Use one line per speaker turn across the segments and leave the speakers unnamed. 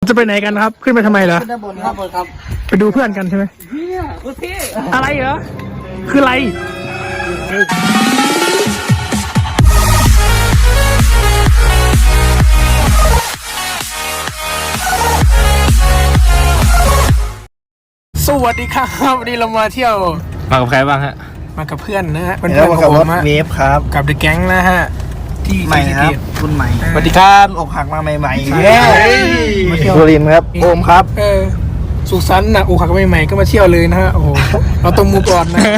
จะไปไหนกันครับขึ้นไปทำไมเหรอ
ขึ้นด้านบนครับ
ไปดูเพื่อนกันใช่ไหมอะไรเหรอคืออะไรสวัสดีครับวันนี้เรามาเที่ยว
มากับใครบ้างฮะ
มากับเพื่อนนะฮะเป็นเพื่
แล้
อ
วน มากับ
ของ
ร
ผ
ถ
มฮะ
เวฟครับ
กับเดอะแก๊งนะฮะที่
ใหม่ครับรุ่นใหม่
สวัสดีครับ
อกหักมาใหม่ๆเย้มาเที่ยวสุรินทร์ครับโอมครับ
สุขสันต์นะโอ้ขักใหม่ๆก็มาเที่ยวเลยนะฮะโอ้โหเราต้องมูก่อนนะ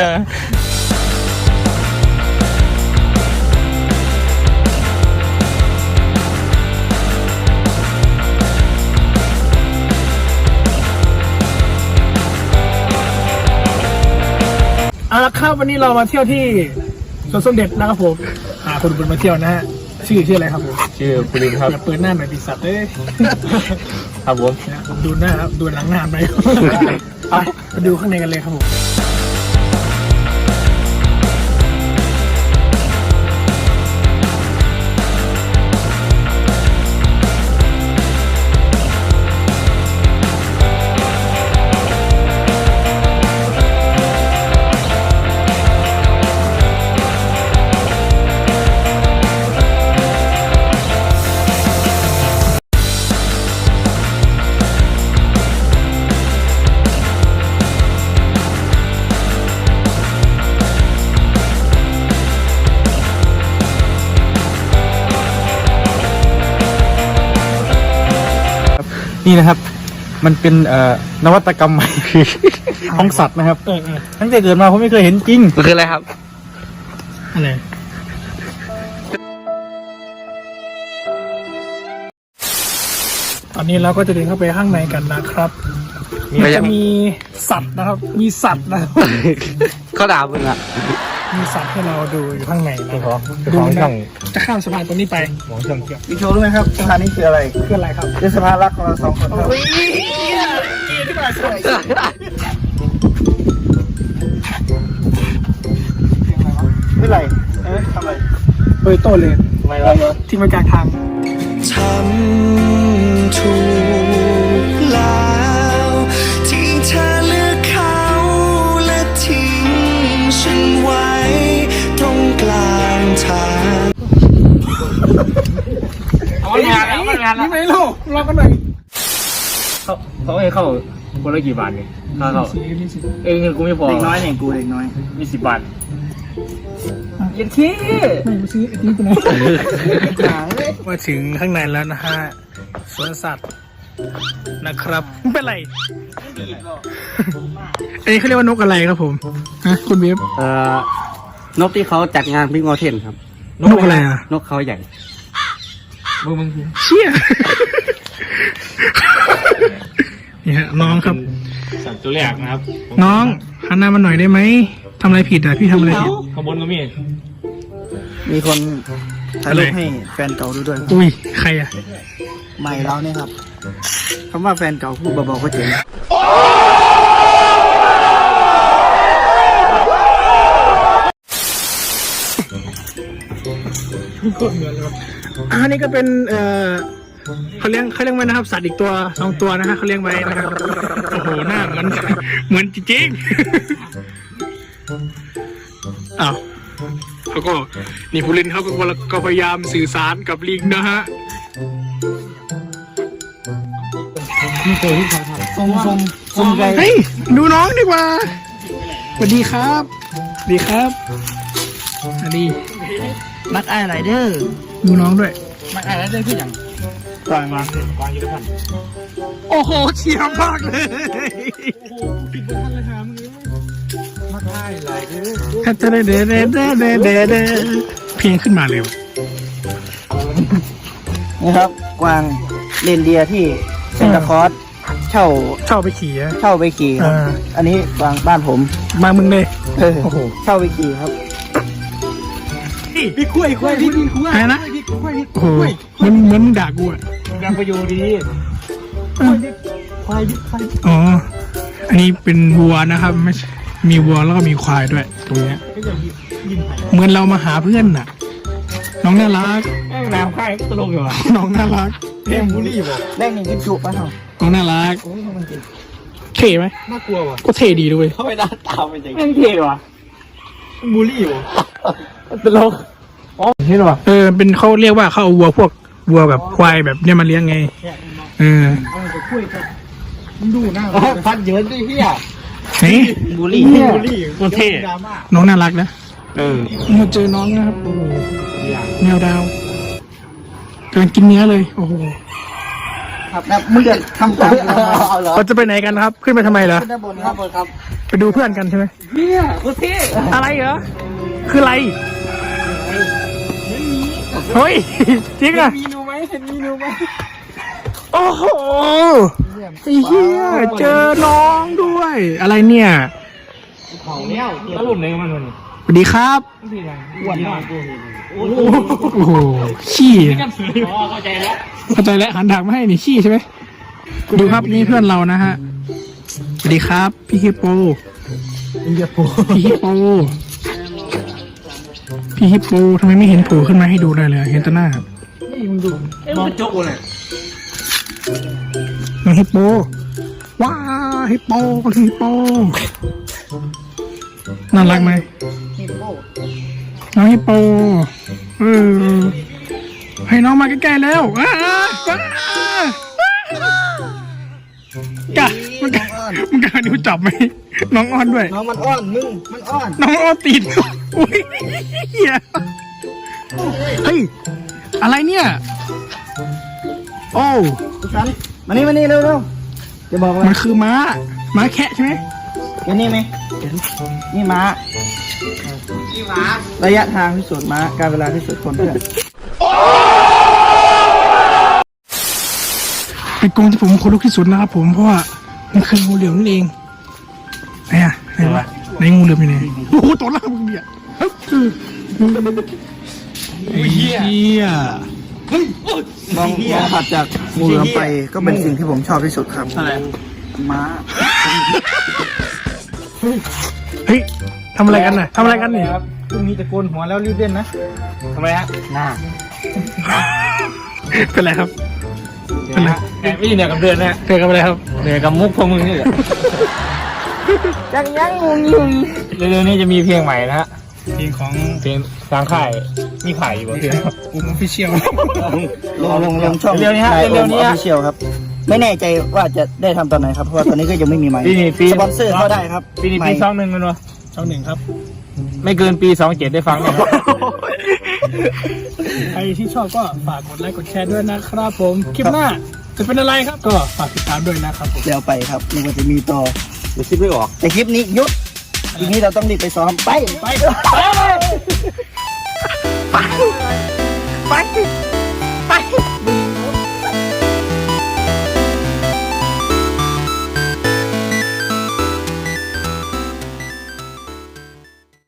เอาละครับวันนี้เรามาเที่ยวที่สวนสมเด็จนะครับผมคนบุญมาเที่ยวนะฮะชื่ออะไรครับผม
ชื่อปรินครับ
อย่าเปิดหน้าหน่อยดิสัตว์เอ้ย
ครับผม
ผมดูหน้าครับดูหลังหน้าไปไปดูข้างในกันเลยครับผม
นี่นะครับ มันเป็นนวัตกรรมใหม่ ของสัตว์นะครับตั้งแต่เกิดมาผมไม่เคยเห็นจริงมันคืออะไรครับ
อะไรตอนนี้เราก็จะเดินเข้าไปข้างในกันนะครับมันจะมีสัตว์นะครับมีสัตว์นะครับ
เขาด่ามึงอ่ะ
มีสัตว์ให้เราดูอยู่ข้างในนะ
ดู
นะ
ช่อง
จะข้ามสะพานตรงนี้ไป
ของช่องเกี่ยว
พี่โชว์รู้ไหมครับสถานนี้คืออะไร
คืออะไรครับ
คือสภารักของเราสองคนครับไม่ไรทำไร
เบยโต้เลย
ไม่ไรวะ
ทิ้งไว้กลางทาง
ทำถูกแล้วที่เธอเลือกเขาและทิ้งฉันไว้ตรงกลางทาง
เอางานแล้วงานแล้ว
นี่ไม่รู้รอกันหน่อย
เขาให้เข้าคนละกี่บาทเนี่ยค่าเข้า
นี่สิ
เงินกูไม่พอ
เด็กน้อยเนี่ยกูเด็กน้อย
มี10 บาทยันที่
ไม่มาซื้อไอ้ที่กูนะมาถึงข้างในแล้วนะฮะสวนสัตว์นะครับมันเป็นไรอันนี้เขาเรียกว่านกอะไรครับผมฮะคุณเว็บ
นกที่เขาจัดงานพิงอเทนครับ
นกอะไรอ่ะ
นกเขาใหญ่
มึง
เชี่ยนี่ฮะน้องครับ
สัตว์ตัวแรกนะครับ
น้องหันหน้ามาหน่อยได้ไหมทำอะไรผิดอ่ะพี่ทำอะไรผิด
ขบวนก็มี
มีคนถ่ายรูปให้แฟนเก่าดูด้วย
อุ้ยใครอ่ะ
ใหม่เราเนี่ยครับคำว่าแฟนเก่าพูดเบาๆก็เจ๋ง
อันนี้ก็เป็นเขาเลี้ยงไว้นะครับสัตว์อีกตัว2 ตัวนะฮะเขาเลี้ยงไว้นะครับโอ้โหหน้าเหมือนจริงๆอ้าวเขาก็นี่ผู้เล่นเขาก็พยายามสื่อสารกับลิงนะฮะ
ซุ่มไกล
เฮ้ยดูน้องดีกว่าสวัสดีครับสวัสดีครับสวัสดี
มักอ้ายไรเดอร์
ดูน้องด้วย
มักอ้ายไรเดอร์คืออย่าง
กวางยุทธภัณฑ์โอ้โหเฉียบมากเลย
มักอ้ายไรเดอร์
เพลงขึ้นมาเลย
นี่ครับกวางเรนเดียร์ที่เซนตาคอร์สเช่า
ไปขี่อะ
เช่าไปขี่ครับอันนี้กวางบ้านผม
มามึงเลย
โอ้โหเช่าไปขี่ครับ
พี่คุยอะไรนะโอ้โหเหมือนมึงด่ากูอ่ะ
ยังไปอยู่ดี
อ๋ออันนี้เป็นวัวนะครับไม่ใช่มีวัวแล้วก็มีควายด้วยตรงเนี้ยเหมือนเรามาหาเพื่อนน่ะ น้องน่ารัก
น้ำค่ายตลกอยู่อ่ะ
น้องน่ารัก
เท่บุรีบ่
แรกนี่กินจุป่ะครับ
น้องน่ารักเท่ไหม
น่ากลัวว่ะ
ก็เท่ดีด้วย
เข้าไปด้านตามเป็นยังไง
แม่งเท่ว่ะบุรีบ่ตลกอ๋อเห็นว่ะ
เป็นเขาเรียกว่าเขาเอาวัวพวกวัวแบบควายแบบเนี้ยมาเลี้ยงไงเออ
เอาไปคุยกันดูหน้า
พันเยินด้วยเฮีย
เฮ้ย
บุรี
บุรีตัวเท่ดราม่า
น้องน่ารักนะเราเจอน้องนะครับโอ้โหแมวดาวกำลังกินเนื้อเลยโอ้โห
ครับนะมึงจะทำตามเรามา
เอาเหรอ
เราจะไปไหนกันครับ ขึ้นไปทำไมเหรอ
ขึ้นด้านบน
ค
ค
รั
รั
บบ ครับ
ไปดูเพื่อนกันใช่ไหม
เฮียโคตรเท่
อะไรเหรอคืออะไรเฮ้ยจริงอะ
มีนูไหมเห็นมีนูไหม
โอ้โหไอ้เหี้ยเจอน้องด้วย อะไรเนี่ย
ของเนี้ยแล้วหลุดไหนมันมัน
สวัสดีครับ
อ้วนมาก
โอ้โหขี้
อ๋อเข้าใจแล้ว
เข้าใจแล้วหันถามมาให้นี่ขี้ใช่ไหมดูครับนี่เพื่อนเรานะฮะสวัสดีครับพี่ฮิปโป
อินเดียโป
พี่ฮิปโปพี่ฮิปโปทำไมไม่เห็นโผล่ขึ้นมาให้ดูเลยเห็นแต่หน้าครับ
นี่มึงดู
มองโจ๊กเลย
น้องฮิปโปว้าฮิปโปฮิปโปน่ารักไหมน้องฮิปโปให้น้องมาใกล้ๆแล้วกะมันกะดูจับไหมน้องอ้อนด้วย
น้องมันอ้อนมึงมันอ้อน
น้องอ้อนติดอุ้ยเหี้ยเฮ้ยอะไรเนี่ยโอ้
ฉันมานี่เร็วจะบอกว่า
มันคือม้าแคะใช่ไหม
เห็นนี่ไหมนี่ม้าระยะทางที่สุดม้าการเวลาที่สุดคนเพื่อน
เป็นกรงที่ผมขนลุกที่สุดนะครับผมเพราะว่ามันคืองูเหลือมนั่นเองไหนวะไหนงูเหลือมอยู่ไหนโอ้โหตัวล่างมึงเนี่ยไอ้เหี้ย
มองถัดจากงูเหลือมไปก็เป็นสิ่งที่ผมชอบที่สุดครับ
อะไร
ม้า
เฮ้ยทำอะไรกันน่ะทำอะไรกันเนี่ย
ครับพรุ่งนี้จะโกนหัวแล้วรีบเล่นนะทำไมฮะหน้า
เป็นไรครับ เป็นไร
แอบไม่เหนื่อยกับเดือนนะ
เจอกันอะไรครับ
เหนื่อยกับมุกพวกมึงนี่แหละ
ยังงู
เร็วๆนี้จะมีเพลงใหม่นะฮะ
เพลงของ
เพลงทางค่ายมีขายอยู่เพลง
อุ้มออฟฟิเชียล
ลงช่อง
เร็วๆนี้ฮะเร็วๆนี้ฮะ
เชียลครับ ไม่แน่ใจว่าจะได้ทำตอนไหนครับเพราะว่าตอนนี้ก็ยังไม่มีไมค์
ปี
สปอนเซอร์เข้าได้ครับ
ปีนี้
ไม
ปี
ค์
21มันวะ
ช่องหนึ่งครับ
ไม่เกินปี27ได้ฟังนะครับ
ใครที่ชอบก็ฝากกดไลค์กดแชร์ด้วยนะครับผมคลิปหน้าจะเป็นอะไรครับ ก็ฝากติดตามด้วยนะครับผม
เดี๋ยวไปครับนึกว่าจะมีต่อ
เดี๋ยวคิดไม่ออก
แต่คลิปนี้หยุดทีนี้เราต้องรีบไปซ้อมไป
ไป
ไป